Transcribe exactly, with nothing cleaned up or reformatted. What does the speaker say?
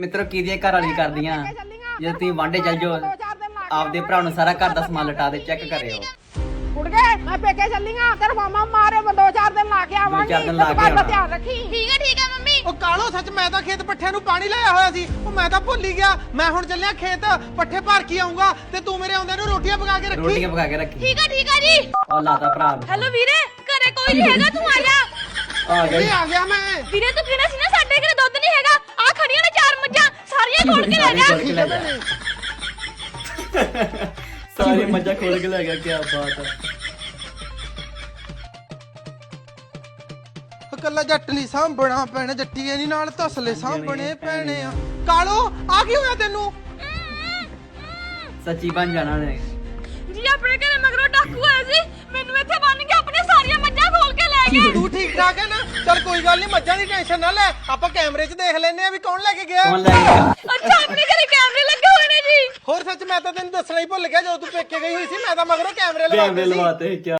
ਮਿੱਤਰੋ ਕਿਹਦੀਆਂ ਘਰ ਵਾਲੀ ਕਰਦੀਆਂ ਜੇ ਤੁਸੀਂ ਵਾਂਡੇ ਚੱਲ ਜਾਓ ਆਪਦੇ ਭਰਾ ਨੂੰ ਸਾਰਾ ਘਰ ਦਾ ਸਮਾਨ ਲਟਾ ਦੇ ਚੈੱਕ ਕਰਿਓ ਉੱਡ ਗਏ ਮੈਂ ਪੇਕੇ ਚੱਲੀ ਆ ਤੇਰਾ ਮਾਮਾ ਮਾਰੇ ਮੈਂ ਦੋ ਚਾਰ ਦਿਨ ਲਾ ਕੇ ਆਵਾਂਗੀ ਚਾਰ ਦਿਨ ਲਾ ਕੇ ਘਰ ਦਾ ਆਉਣਾ। ਧਿਆਨ ਰੱਖੀ ਠੀਕ ਹੈ ਠੀਕ ਹੈ ਮੰਮੀ। ਉਹ ਕਾਲੋ ਸੱਚ ਮੈਂ ਤਾਂ ਖੇਤ ਪੱਠਿਆਂ ਨੂੰ ਪਾਣੀ ਲਾਇਆ ਹੋਇਆ ਸੀ ਉਹ ਮੈਂ ਤਾਂ ਭੁੱਲ ਹੀ ਗਿਆ ਮੈਂ ਹੁਣ ਚੱਲਿਆ ਖੇਤ ਪੱਠੇ ਭਰ ਕੇ ਆਉਂਗਾ ਤੇ ਤੂੰ ਮੇਰੇ ਆਉਂਦੇ ਨੂੰ ਰੋਟੀਆਂ ਪਕਾ ਕੇ ਰੱਖੀ ਰੋਟੀਆਂ ਪਕਾ ਕੇ ਰੱਖੀ ਠੀਕ ਹੈ ਠੀਕ ਹੈ ਜੀ। ਉਹ ਲਾਤਾ ਭਰਾ ਨੂੰ। ਹੈਲੋ ਵੀਰੇ ਘਰੇ ਕੋਈ ਨਹੀਂ ਹੈਗਾ ਤੂੰ ਆ ਜਾ। ਆ ਇਹ ਗਈ ਆ ਗਿਆ ਮੈਂ ਵੀਰੇ ਤੂੰ ਕਿਹੜਾ ਸੀ ਨਾ ਸਾਡੇ ਘਰੇ ਦੁੱਧ ਨਹੀਂ ਹੈਗਾ ਆ ਖੜੀਆਂ ਨੇ ਚਾਰ ਮੱਝਾਂ ਸਾਰੀਆਂ ਖੋਲ ਕੇ ਲੈ ਜਾ। ਖੋਲ ਕੇ ਲੈ ਜਾ ਸਾਰੀ ਮੱਝਾਂ ਖੋਲ ਕੇ ਲੈ ਗਿਆ ਕੀ ਬਾਤ ਹੈ ਕੱਲਾ ਜੱਟ ਨਹੀਂ ਸਾਂਭਣਾ ਪੈਣਾ ਜੱਟੀਏ ਨਹੀਂ ਨਾਲ ਤਸਲੇ ਸਾਂਭਣੇ ਪੈਣੇ ਆ ਕਾਲੋ ਆ ਕੀ ਹੋਇਆ ਤੈਨੂੰ ਸੱਚੀ ਬਣ ਜਾਣਾ ਨੇ ਜੀ ਆਪਣੇ ਘਰੇ ਮਗਰੋਂ ਡਾਕੂ ਆਇਆ ਸੀ ਮੈਨੂੰ ਇੱਥੇ ਬੰਨ ਕੇ ਆਪਣੀਆਂ ਸਾਰੀਆਂ ਮੱਝਾਂ ਖੋਲ ਕੇ ਲੈ ਗਿਆ। ਤੂੰ ਠੀਕ ਠਾਕ ਹੈ ਨਾ ਚੱਲ ਕੋਈ ਗੱਲ ਨਹੀਂ ਮੱਝਾਂ ਦੀ ਟੈਨਸ਼ਨ ਨਾ ਲੈ ਆਪਾਂ ਕੈਮਰੇ 'ਚ ਦੇਖ ਲੈਨੇ ਆ ਵੀ ਕੌਣ ਲੈ ਕੇ ਗਿਆ ਕੌਣ ਲੈ ਗਿਆ ਅੱਛਾ ਆਪਣੇ ਘਰੇ ਕੈਮਰੇ ਲੱਗੇ ਹੋਏ ਨੇ ਜੀ। ਹੋਰ ਸੱਚ ਮੈਂ ਤਾਂ ਤੈਨੂੰ ਦੱਸਣਾ ਹੀ ਭੁੱਲ ਗਿਆ ਜਦੋਂ ਤੂੰ ਪੇਕੇ ਗਈ ਹੋਈ ਸੀ ਮੈਂ ਤਾਂ ਮਗਰੋਂ ਕੈਮਰੇ ਕੈਮਰੇ ਲਵਾਤੇ ਸੀ ਲਵਾਤੇ ਕੀ